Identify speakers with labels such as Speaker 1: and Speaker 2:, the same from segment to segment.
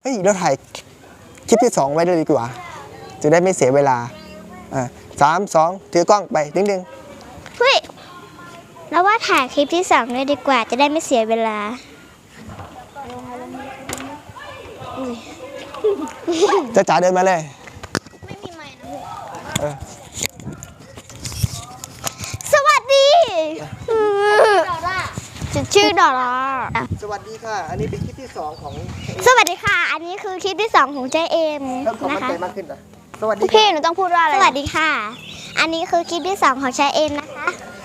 Speaker 1: เฮ้ยเราถ่ายคลิปที่2ไว้เลยดีกว่าจะได้ไม่เสียเวลา3 2ถือกล้องไปดึง
Speaker 2: เฮ้ยแล้วว่าถ่ายคลิปที่2เลยดีกว่าจะได้ไม่เสียเวลา
Speaker 1: จะจ๋าเดินมาเลย
Speaker 2: ไม่มีไมค์นะ
Speaker 1: เ
Speaker 2: สวัสดีฉันชื่อดอร่า
Speaker 1: สวัสดีค่ะอันนี้เป็นคลิปที่2ของ
Speaker 2: สวัสดีค่ะอันนี้คือคลิปที่2ของเจเอ็ม
Speaker 1: เริ่มความมั่นใจมากขึ้นนะสวัสดี
Speaker 2: พี่หนูต้องพูดว่าอะไรสวัสดีค่ะอันนี้คือคลิปที่2ของเจเอ็มนะคะ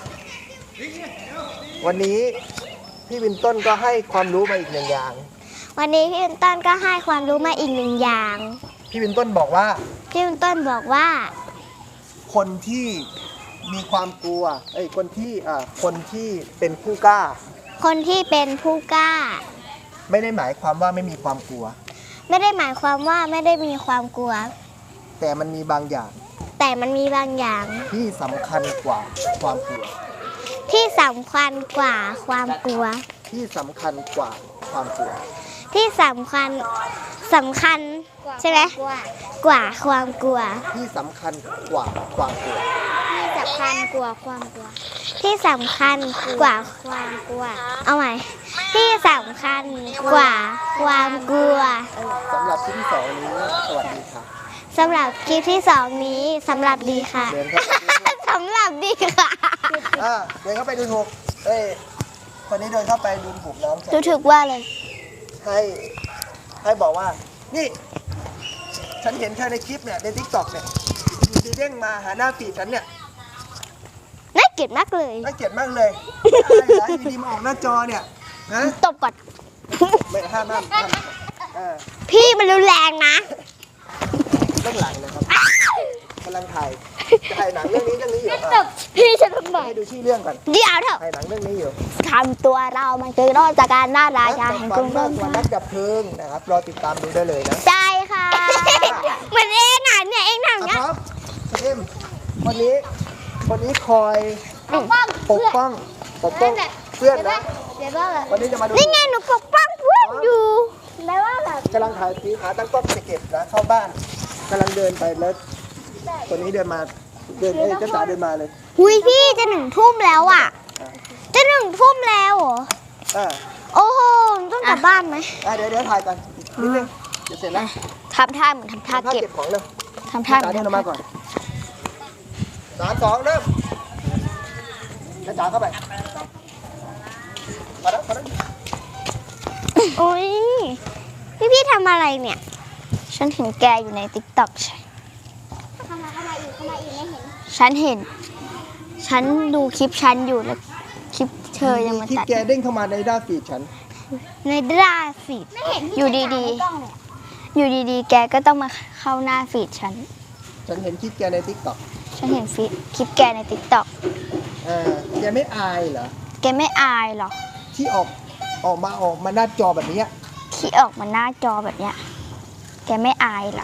Speaker 1: วันนี้พี่วินต้นก็ให้ความรู้มาอีก1อย่าง
Speaker 2: วันนี้พี่วินต้นก็ให้ความรู้มาอีก1อย่าง
Speaker 1: พี่วินต้นบอกว่า
Speaker 2: พี่วินต้นบอกว่า
Speaker 1: คนที่มีความกลัวคนที่เป็นผู้กล้า
Speaker 2: คนที่เป็นผู้กล้า
Speaker 1: ไม่ได้หมายความว่าไม่มีความกลัว
Speaker 2: ไม่ได้หมายความว่าไม่ได้มีความกลัว
Speaker 1: แต่มันมีบางอย่าง
Speaker 2: แต่มันมีบางอย่าง
Speaker 1: ที่สำคัญกว่าความกลัว
Speaker 2: ที่สำคัญกว่าความกลัว
Speaker 1: ที่สำคัญกว่าความกลัว
Speaker 2: ที่สำคัญใช่ไหมกว่าความกลัว
Speaker 1: ที่สำคัญกว่าความกลัว
Speaker 2: ที่สำคัญกว่าความกลัว ที่สำคัญกว่าความกลัวเอาใหม่ที่สำคัญกว่าความกลัว
Speaker 1: สำหรับคลิปที่2นี้สวัสดีค่ะ
Speaker 2: สำหรับคลิปที่2นี้สำหรับดีค่ะ
Speaker 1: เดินเข้าไปดู
Speaker 2: สำหรับดีค่ะ
Speaker 1: เดินเข้าไปดูถูกคนนี้เดินเข้าไปดูถูกน้องฉัน
Speaker 2: ดูถูกว่าเลย
Speaker 1: ให้บอกว่านี่ฉันเห็นเธอในคลิปเนี่ยใน TikTok เนี่ยดีเด้งมาหาหน้าฟีดฉันเนี่ย
Speaker 2: น่าเกลียดมากเลย
Speaker 1: น่าเกลียดมากเลยอะไรเหรออยู่ดีมาออกหน้าจอเนี่ยนะ
Speaker 2: ตบก่อน
Speaker 1: ไม่ห้าม
Speaker 2: พี่มันรุนแรงนะ
Speaker 1: เรื่องหลังนะครับกำลังถ่ายหนังเรื่องนี้อยู่
Speaker 2: พี่ฉันทำไม
Speaker 1: ให้ดูชื่อเรื่องก่อน
Speaker 2: เดี๋ยวเถอะ
Speaker 1: ถ่ายหนังเรื่องนี้อยู่
Speaker 2: ทำตัวเรามันคือรอดจากการหน้าราชาแห่งกรุง
Speaker 1: นักดับนักดับเพลิงนะครับรอติดตามดูได้เลยนะ
Speaker 2: ใช่ค่ะเหมือนเองอ่ะเนี่ยเองทำเนี่ย
Speaker 1: ครับเอ็มวันนี้คอยปกป้องเพื่อนนะวันนี้จะมาดู
Speaker 2: นี่ไงหนูปกป้องเพื่อนอยู่แล้วว่าแบบ
Speaker 1: กำลังถ่ายสีขาตั้งกล้องจะเก็บนะเข้าบ้านกำลังเดินไปแล้วคนนี้เดินมาเจ้าจ๋าเดินมาเลย
Speaker 2: หุยพี่จะ1 ทุ่มแล้วอ่ะจะ1 ทุ่มแล้วเหรอโอ้โหต้องกลับบ้านไหม
Speaker 1: เดี๋ยวถ่ายก่อนนิดนึงเดี๋ยวเสร็จแล้ว
Speaker 2: ทำท่าเหมือนทำท่าเก็บ
Speaker 1: ของเร็ว
Speaker 2: ทำท่าเหมื
Speaker 1: จ๋า
Speaker 2: อน
Speaker 1: เดินออกมาก่อน3 2เริ่มจ๋าเข้าไปมาแล้ว
Speaker 2: โอ้ยพี่ทำอะไรเนี่ยฉันเห็นแกอยู่ใน TikTok ใช่เข้ามาอีกไม่เห็นฉันดูคลิปฉันอยู่แล้วคลิปเธอยังมา
Speaker 1: คลิป
Speaker 2: ตัด
Speaker 1: แกเด้งเข้ามาในด้านฟีดฉัน
Speaker 2: ในหน้าฟีดอยู่ดีๆแกก็ต้องมาเข้าหน้าฟีดฉัน
Speaker 1: เห็นคลิปแกใน TikTok
Speaker 2: ฉันเห็นฟีดคลิปแกใน TikTok
Speaker 1: แกไม่อายเหรอ
Speaker 2: แกไม่อายหรอ
Speaker 1: ที่ออกมาหน้าจอแบบนี้
Speaker 2: ที่ออกมาหน้าจอแบบเนี้ยแกไม่อายหรอ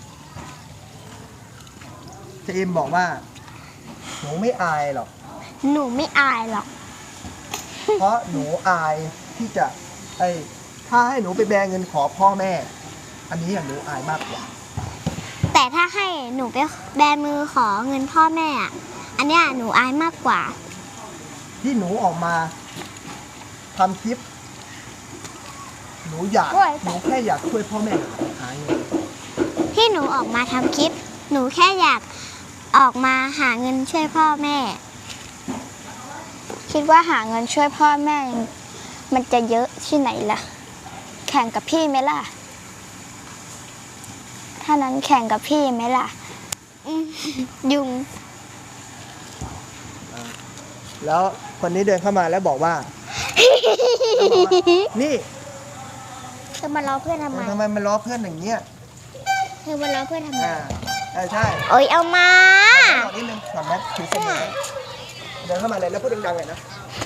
Speaker 1: เจมบอกว่าหนูไม่อายหรอก
Speaker 2: หนูไม่อายหรอก
Speaker 1: เพราะหนูอายที่จะถ้าให้หนูไปแบเงินขอพ่อแม่ อันนี้หนูอายมากกว่า
Speaker 2: แต่ถ้าให้หนูไปแบมือขอเงินพ่อแม่อะอันเนี้ยหนูอายมากกว่า
Speaker 1: ที่หนูออกมาทำคลิปหนูแค่อยากช่วยพ่อแม่หาเงิน
Speaker 2: ที่หนูออกมาทำคลิป หนูแค่อยากออกมาหาเงินช่วยพ่อแม่ คิดว่าหาเงินช่วยพ่อแม่มันจะเยอะที่ไหนล่ะ แข่งกับพี่ไหมล่ะถ้านั้นแข่งกับพี่ไหมล่ะยุง
Speaker 1: แล้วคนนี้เดินเข้ามาแล้วบอกว่า นี่
Speaker 2: เธอมาล้อเพื่อนทำไม
Speaker 1: ทำไมมันล้อเพื่อนอย่างเงี้ย
Speaker 2: เธอมาล้อเพื่อนทำไม
Speaker 1: ใช่
Speaker 2: โอ้ยเอามา
Speaker 1: นิดนึงก่อนนะถือเสน่ห์เดินเข้ามาเลยแล้วพูดดังๆเลยนะ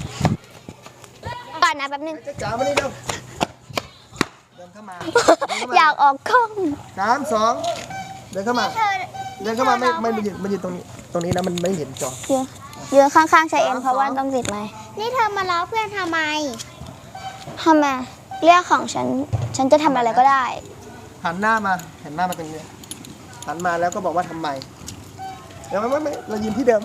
Speaker 2: ก่อนนะแป๊บนึง
Speaker 1: จ๋ามานี่เร็วเดินเข้ามา
Speaker 2: อยากออกกล้อง
Speaker 1: 3 2เดินเข้ามาไม่มันยืนตรงนี้นะมันไม่เห็นจอ
Speaker 2: ยืนข้างๆชายเอ็นเพราะว่าต้องติดไหมนี่เธอมาล้อเพื่อนทำไมเรื่องของฉันจะทำอะไรก็ได้
Speaker 1: หันหน้ามาหันหน้ามาตรงนี้หันมาแล้วก็บอกว่าทำไมเดี๋ยวไม่เรายืนที่เดิม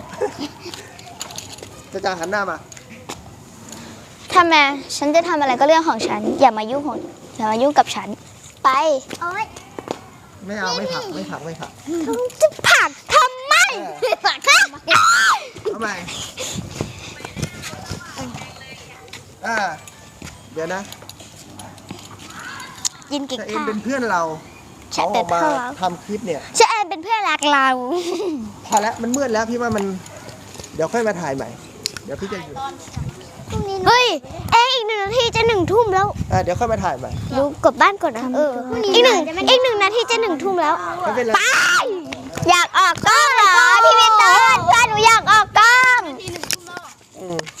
Speaker 1: จะหันหน้ามา
Speaker 2: ทำไมฉันจะทำอะไรก็เรื่องของฉัน อย่ามายุ่งกับฉัน ไป
Speaker 1: ไม่เอาไม่ผัก
Speaker 2: จะผลักทำไมผลักทำไม
Speaker 1: ทำไมเดี๋ยวนะ
Speaker 2: ยินกิ่ง
Speaker 1: แต่เอ็
Speaker 2: ข้าน
Speaker 1: เป็นเพื่อนเรา
Speaker 2: ฉั
Speaker 1: เขา
Speaker 2: น
Speaker 1: อ
Speaker 2: เป็
Speaker 1: อน กมา
Speaker 2: เพื่อนเรา
Speaker 1: ทำคลิปเนี่ย
Speaker 2: ฉันเอ็นเป็นเพื่อนรักเรา
Speaker 1: พอแล้วมันมืดแล้วพี่ว่ามัน เดี๋ยวค่อยมาถ่ายใหม่ เดี๋ยวพี่จะอยู่
Speaker 2: เฮ้ยเอ็งอีก1 นาทีจะ1 ทุ่มแล้ว
Speaker 1: เดี๋ยวค่อยมาถ่ายใหม่
Speaker 2: ดูกดบ้านกดนะอีกหนึ่งนาทีจะ1 ทุ่มแล้ว
Speaker 1: ไม่เป็นไร
Speaker 2: ไปอยากออกกล้องเหรอพี่เบนเตอร์เพื่อนหนูอยากออกกล้อง